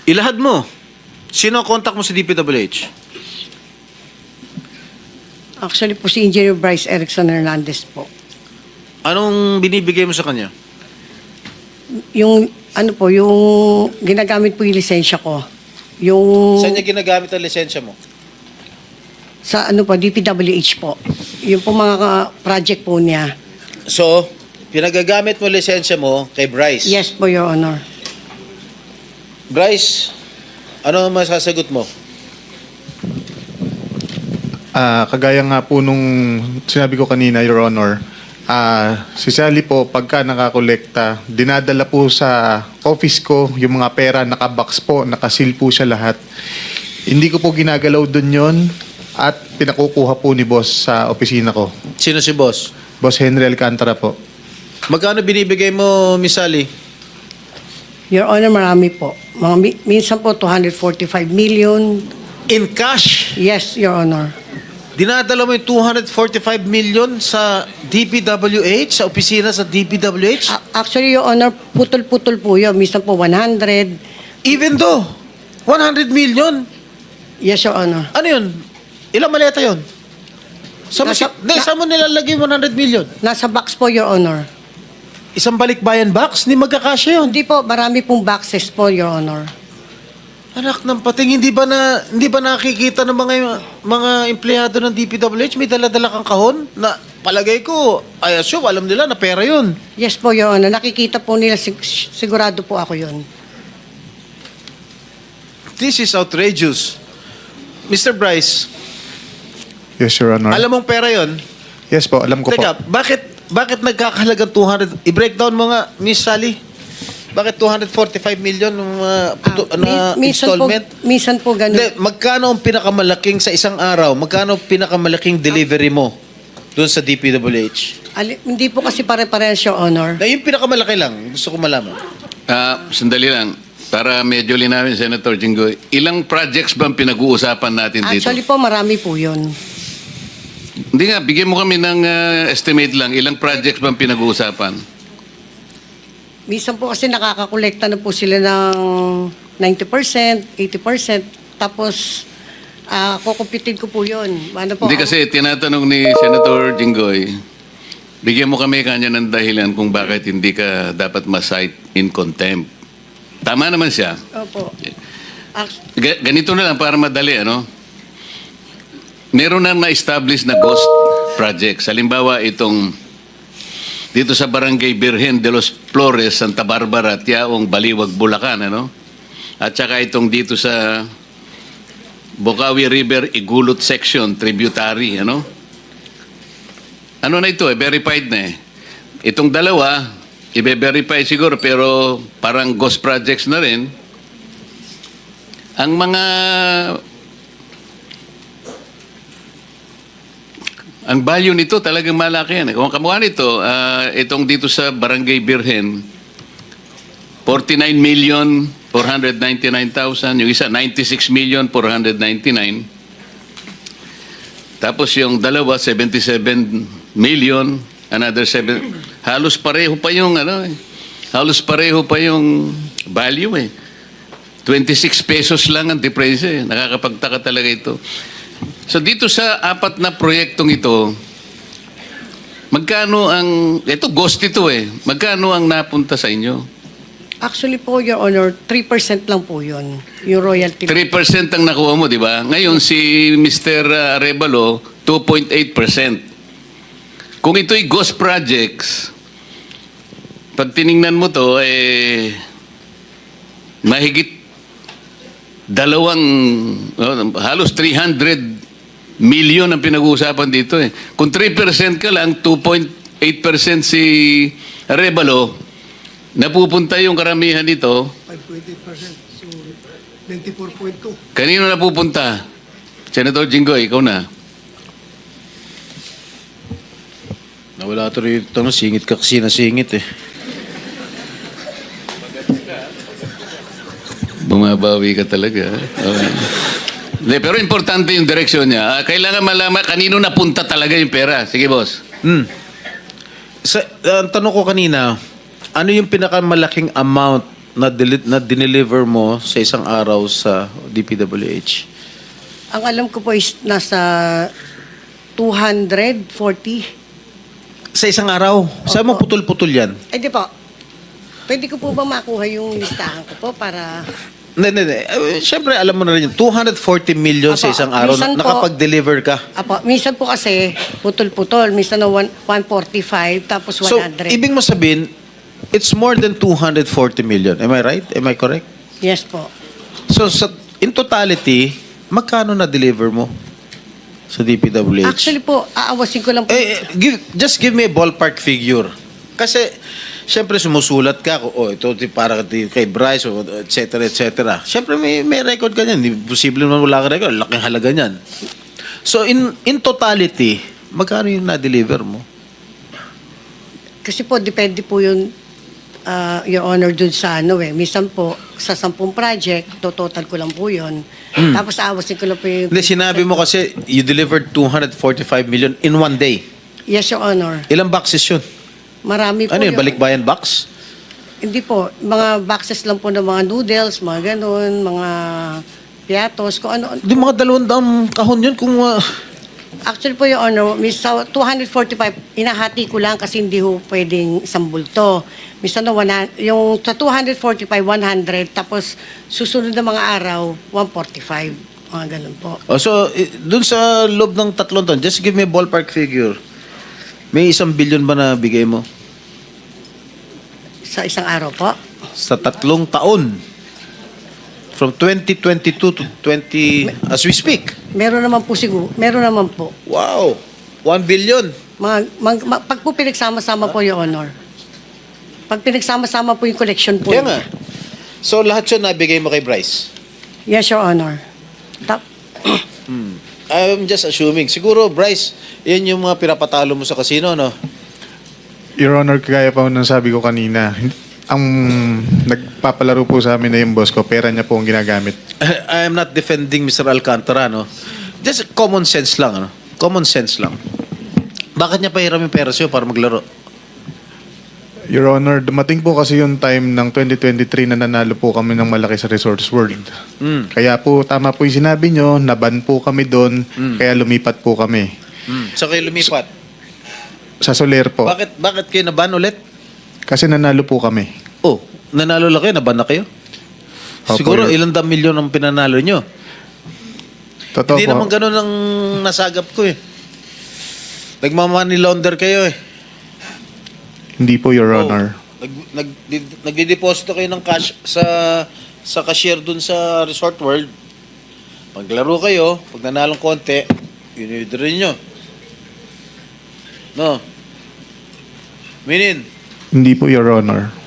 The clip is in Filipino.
Ilahad mo. Sino ang contact mo sa DPWH? Actually po si Engineer Bryce Erickson Hernandez po. Anong binibigay mo sa kanya? Yung ano po, yung ginagamit po yung lisensya ko. Yung Saan niya ginagamit ang lisensya mo? sa ano po, DPWH po. Yung po mga project po niya. So, pinagagamit mo lisensya mo kay Bryce. Yes po, Your Honor. Bryce, ano ang masasagot mo? Kagaya nga po nung sinabi ko kanina, Your Honor, si Sally po, pagka nakakolekta, dinadala po sa office ko yung mga pera, nakabox po, nakasil po siya lahat. Hindi ko po ginagalaw dun yon at pinakukuha po ni boss sa opisina ko. Sino si boss? Boss Henry Alcantara po. Magkano binibigay mo, Miss Sally? Your Honor, marami po. Minsan po 245 million. In cash? Yes, Your Honor. Dinadala mo yung 245 million sa DPWH, sa opisina sa DPWH? Actually, Your Honor, putol-putol po yun. Minsan po 100. Even though, 100 million? Yes, Your Honor. Ano yun? Ilang maleta yun? Saan mo nilalagay 100 million? Nasa box po, Your Honor. Isang balikbayan box? Hindi magkakasya yun. Hindi po, marami pong boxes po, Your Honor. Anak ng pating, hindi ba nakikita ng mga empleyado ng DPWH may dala-dala kang kahon na palagay ko, I assume, alam nila na pera yun. Yes po, Your Honor. Nakikita po nila, sigurado po ako yun. This is outrageous. Mr. Bryce, Yes, Your Honor. alam mong pera yun? Yes po, alam ko Teka, po. bakit nagkakahalagang 200? I-breakdown mo nga, Miss Sally. Bakit 245 million installment? Minsan po ganun. Hindi, magkano ang pinakamalaking sa isang araw? Magkano ang pinakamalaking delivery mo doon sa DPWH? Hindi po kasi pare-parehas, Your Honor. Na yung pinakamalaki lang, gusto ko malaman. Sandali lang. Para medyo linawin, Senator Jinggoy, ilang projects bang pinag-uusapan natin dito? Actually po, marami po yun. Hindi nga, bigyan mo kami ng estimate lang. Ilang projects bang pinag-uusapan? Minsan po kasi nakakakolekta na po sila ng 90%, 80%. Tapos, kukumpitin ko po yun. Ano po, Hindi kasi tinatanong ni Senator Jinggoy, bigyan mo kami kanya ng dahilan kung bakit hindi ka dapat ma-cite in contempt. Tama naman siya. Opo. Ganito na lang para madali, ano? Meron na na-establish na ghost projects. Halimbawa, itong dito sa Barangay Birhen de los Flores, Santa Barbara, Tiaong, Baliwag, Bulacan, ano? At saka itong dito sa Bocaue River, Igulot Section, tributary, ano? Ano na ito, verified na eh. Itong dalawa, i-verify siguro, pero parang ghost projects na rin. Ang mga ang value nito talagang malaki yan. Kung kamukha nito, itong dito sa Barangay Birhen, 49,499,000. Yung isa, 96,499,000. Tapos yung dalawa, 77 million. Another 7. Halos pareho pa yung halos pareho pa yung value eh. 26 pesos lang ang difference eh. Nakakapagtaka talaga ito. So dito sa apat na proyektong ito, magkano ito ghost ito eh. Magkano ang napunta sa inyo? Actually po, Your Honor, 3% lang po yun. Yung royalty. 3% ang nakuha mo, di ba? Ngayon si Mr. Arevalo, 2.8%. Kung ito'y ghost projects, pag tiningnan mo to, mahigit halos 300 million ang pinag-uusapan dito eh. Kung 3% ka lang, 2.8% si Arevalo, napupunta yung karamihan dito. 5.8%, so 24.2. Kanino napupunta? Senator Jinggoy, ikaw na. Nawala ito rito, singit ka kasi nasingit eh. Bumabawi ka talaga. Okay. Pero importante yung direksyon niya. Kailangan malaman kanino napunta talaga yung pera. Sige, boss. Ang tanong ko kanina, ano yung pinakamalaking amount na dineliver mo sa isang araw sa DPWH? Ang alam ko po is nasa 240. Sa isang araw? Saan mo putol-putol yan? Di po. Pwede ko po ba makuha yung listahan ko po para... Hindi. Siyempre, alam mo na rin yun. 240 million sa Apo, isang araw. minsan po- Nakapag-deliver ka. Apo, minsan po kasi putol-putol. Minsan na 145 tapos 100. So, ibig mo sabihin, it's more than 240 million. Am I right? Am I correct? Yes po. So, in totality, magkano na-deliver mo sa DPWH? Actually po, aawasin ko lang po. Just give me a ballpark figure. Kasi, siyempre sumusulat ka, ito para kay Bryce, et cetera, et cetera. Siyempre may record ka niyan. Hindi posible naman wala ka record. Laking halaga niyan. So, in totality, magkano yung na-deliver mo? Kasi po, depende po yun, Your Honor, dun sa Minsan po, sa 10 project, total ko lang po yun. Tapos aawasin ko lang po yung... Hindi, sinabi mo kasi, you delivered 245 million in one day. Yes, Your Honor. Ilang boxes yun? Marami po Ano yun, yun. balikbayan box? Hindi po. Mga boxes lang po ng mga noodles, mga ganun, mga piatos, kung ano. Di mga 200 kahon yun kung... Actually po, Your Honor, sa 245, inahati ko lang kasi hindi ho pwedeng isang bulto. Minsan na yung sa 245, 100, tapos susunod na mga araw, 145. Mga ganun po. So, dun sa loob ng 3 taon, just give me a ballpark figure. May 1 billion ba na bigay mo? Sa isang araw po. Sa 3 taon. From 2022 to 20... As we speak. Meron naman po siguro. Meron naman po. Wow! 1 billion. Pag po pinagsama-sama po, Your Honor. Pag pinagsama-sama po yung collection po. Kaya nga. So, lahat yun nabigay mo kay Bryce? Yes, Your Honor. I'm just assuming. Siguro, Bryce, yan yung mga pinapatalo mo sa casino, no? Your Honor, kagaya pa ng sabi ko kanina, ang nagpapalaro po sa amin na yung boss ko, pera niya po ang ginagamit. I am not defending Mr. Alcantara, no? Just common sense lang, ano? Common sense lang. Bakit niya pahiram yung pera sa'yo para maglaro? Your Honor, dumating po kasi yung time ng 2023 na nanalo po kami ng malaki sa Resorts World. Kaya po, tama po yung sinabi nyo, naban po kami doon, kaya lumipat po kami. So kayo lumipat. Sa Soler po. Bakit kayo naban ulit? Kasi nanalo po kami. Oh, nanalo lang kayo, naban na kayo? Opo, Siguro Your- ilang milyon ang pinanalo nyo. Totoo Hindi po. naman ganun ang nasagap ko eh. Nagmamoney launder kayo eh. Hindi po, Your Honor. Nagdideposito kayo ng cash sa cashier dun sa Resort World. Paglaro kayo, pag nanalong konti, yun-withdraw nyo. No? Minin, Hindi po, Your Honor.